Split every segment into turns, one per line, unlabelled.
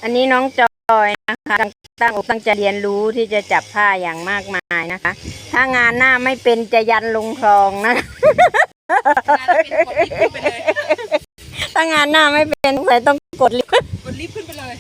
อันนี้น้องจอยนะคะตั้งอกตั้งใจเรียนรู้ที่จะจับผ้าอย่างมากมายนะคะถ้างานหน้าไม่เป็นจะยันลงคลองนะถ้างานหน้าไม่เป็นใครต้องกดลิฟต์
ขึ้นไปเลย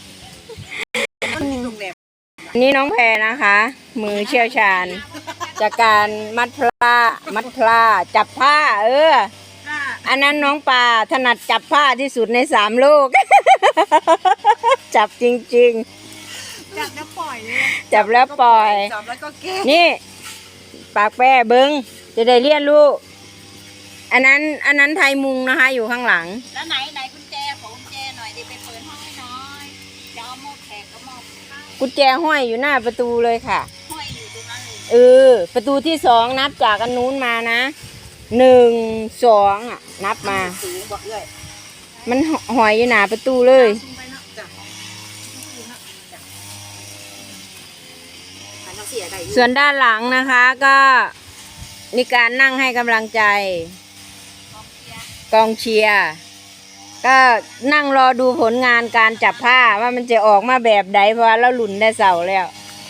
นี่น้องแพรนะคะ มือเชี่ยวชาญจากการมัดพลาจับผ้าอันนั้นน้องปลาถนัดจับผ้าที่สุดใน3 โลก จับจริง
ๆจับแล้วปล่อย
จับแล้วปล่อย
จับแล้วก็แก้
นี่ปากแป้เบิ้งจะได้เรียนรู้อันนั้นไทยมุงนะคะอยู่ข้างหลัง
แล้วไหนกุญแจของกุญแจหน่อยดิไปเปิดห้องให้หน่อยจะเอาหม้อแขกก็หม้อ
กุญแจห้อยอยู่หน้าประตูเลยค่ะ
ห้อยอยู่ตรงนั้นเลย
ประตูที่2นับจากอันนู้นมานะ1 2อ่ะนับมามันหอยอยู่หน้าประตูเลยส่วนด้านหลังนะคะก็มีการนั่งให้กำลังใจกองเชียร์ก็นั่งรอดูผลงานการจับผ้าว่ามันจะออกมาแบบใดเพราะว่าเราหลุนได้เสาแล้ว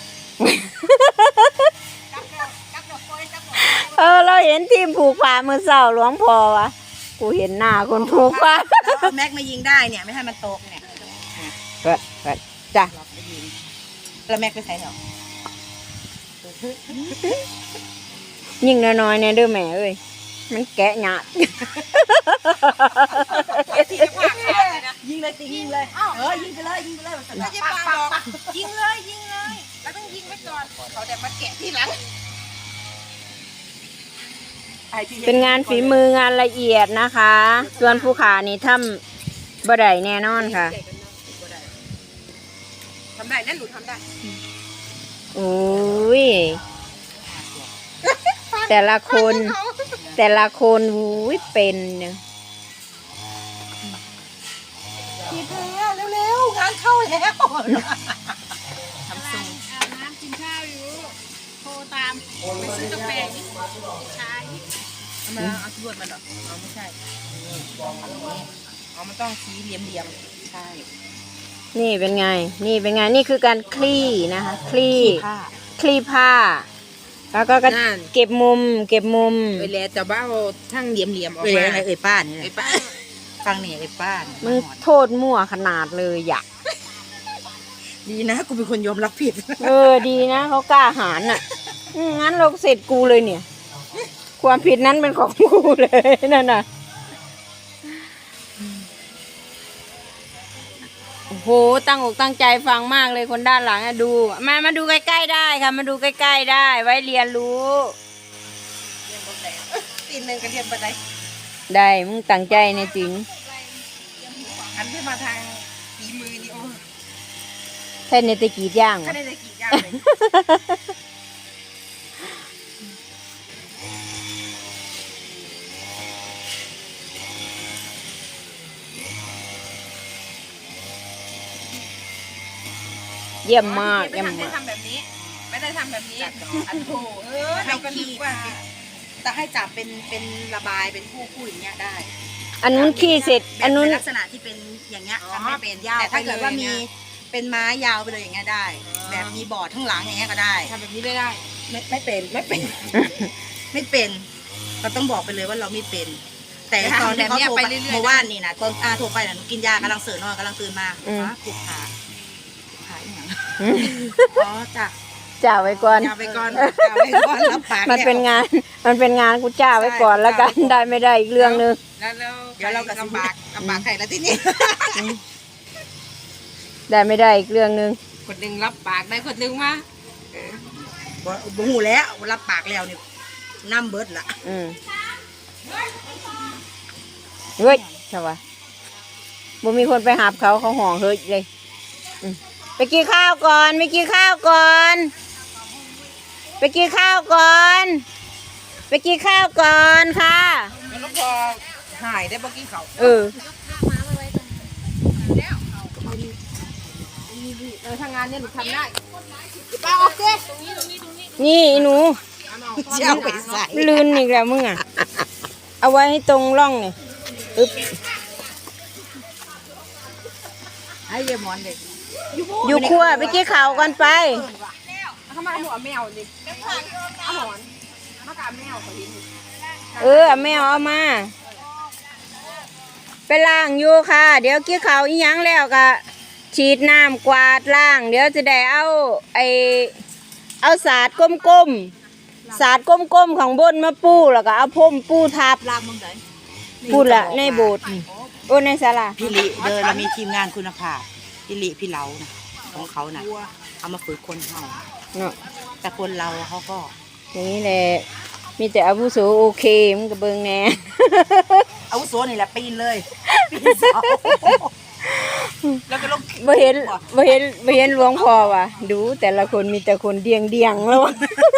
เราเห็นทีมผูกผ้าเมื่อเสาหลวงพ่อวะกูเห็นหน้าคนผูกผ้า
แล้วแม็กมายิงได้เนี่ยไม่ให้มันตกเนี่ย
ก็จ้ะ
แล้วแม็กไปใส่หรอ
ยิงน้อยๆเนี่ยเด้อแม่เอ้ยมันแกะหยาด
ยิงเลยยิงเลยยิงไปเลยไม่ใช่ปลาบอกยิงเลยแล้วต้องยิงไว้ก่อนเขาแต่มาแกะทีหลัง
เป็นงานฝีมืองานละเอียดนะคะส่วนผู้ขานี่ทำบ่ได้แน่นอนค่ะ
ทำได้นั่นหนูทำได้
โอ้ยแต่ละคนอุ้ยเป็นเนี่ย
กินเร็วงานเข้าแล้วทำซุ่มอาบน้ำกินข้าวอยู่โทรตามไปซื้อกาแฟนี่ชายมาเอาตรวจมันหรอไม่ใช่มันต้องสีเหลี่ยมใช่
นี่เป็นไงนี่คือการคลี่นะคะคลี่ผ้าแล้วก็เก็บมุม
แล้วแต่ว่าทั้งเหลี่ยมออกมาป้านี่ป้าฟังเนี่ยป้า
มันโทษมั่วขนาดเลยอยาก
ดีนะกูเป็นคนยอมรับผิด
ดีนะเขากล้าหาญอ่ะงั้นเราเสร็จกูเลยเนี่ยความผิดนั้นเป็นของกูเลยนั่นน่ะโอ้โหตั้งอกตั้งใจฟังมากเลยคนด้านหลังอะดูมาดูใกล้ๆได้ค่ะมาดูใกล้ๆได้ไว้เรียนรู้
ตีนึงก็เรียนไป
ได้มึงตั้งใจในจริง
อันที่มาทางฝีมือนี่โอ้
แค่ในตะกี้ย่าง
เลย
เยี่ยมมาก
ไม่ได้ทำแบบนี้อันโถเราก็นึกว่าจะให้จับเป็นระบายเป็นคู่อย่างเงี้ยได้
อันนู้นขี้เสร็จอันนู้น
ลักษณะที่เป็นอย่างเงี้ยทำไม่เป็นแต่ถ้าเกิดว่ามีเป็นไม้ยาวไปเลยอย่างเงี้ยได้แบบมีบอร์ดข้างหลังอย่างเงี้ยก็ได้ทำแบบนี้ได้ไม่เป็นเราต้องบอกไปเลยว่าเราไม่เป็นแต่ตอนที่เขาโทรไปเมื่อวานนี่นะตอนโทรไปน่ะกินยากำลังเสือนอนกำลังตื่นมาปลุกขาอย่าง
จ่าไว้ก่อน
รับปาก
มันเป็นงานกูจ่าไว้ก่อนแล้วกันได้ไม่ได้อีกเรื่องนึง
แล้วเดี๋ยวเราก็ลำบากใครแล้วที่นี่
ได้ไม่ได้อีกเรื่องนึง
คนหนึ่งรับปากได้คนหนึ่งมาบ่หูแล้วรับปากแล้วนี่น้ำเบิดละ
เฮ้ยใช่ปะบ่มีคนไปหาเขาห่อเฮ้ยเลยไปกินข้าวก่อนไปกินข้าวก่อนค่ะ
แล้วพอหายได้บ่กินเขาทางงานเนี่ยหนูทำได้ป้าโอเคตรงนี้
นี่หนู
เจ้าไปใส่
ลื่นอีกแล้วมึงอ่ะเอาไว้ให้ตรงร่องนี่
ให้เยมอนเด็ก
อยู่ครัวไปกินข้าวกันไป
เขามาหมูแมวดิเอาหอนมากาแมวเขาเห็น
แม่เอามา ไปล้างอยู่ค่ะ เดี๋ยวกินข้าวอีหยังแล้วก็ฉีดน้ำกวาดล้าง เดี๋ยวจะได้เอาสาดก้มๆสาดก้มๆของบนมาปูแล้วก็เอาพรมปูทับ
ลากมึงไหน
ปูละในโบสถ์โอ้ในศาลา
พี่ลิเดินเรามีทีมงานคุณภาพพี่ลิพี่เหลานะของเขานะเอามาฝึกคนเขา
เนาะ
แต่คนเราเขาก็
อย่างนี้แหละมีแต่อาวุโสโอเคมันก็เบิ่งแหน่
อาวุโสนี่แหละปีนเลยปีนเสาแล้วก็ลง
บ่เห็นหลวงพ่อว่ะดูแต่ละคนมีแต่คนเดียงแล้วว่ะ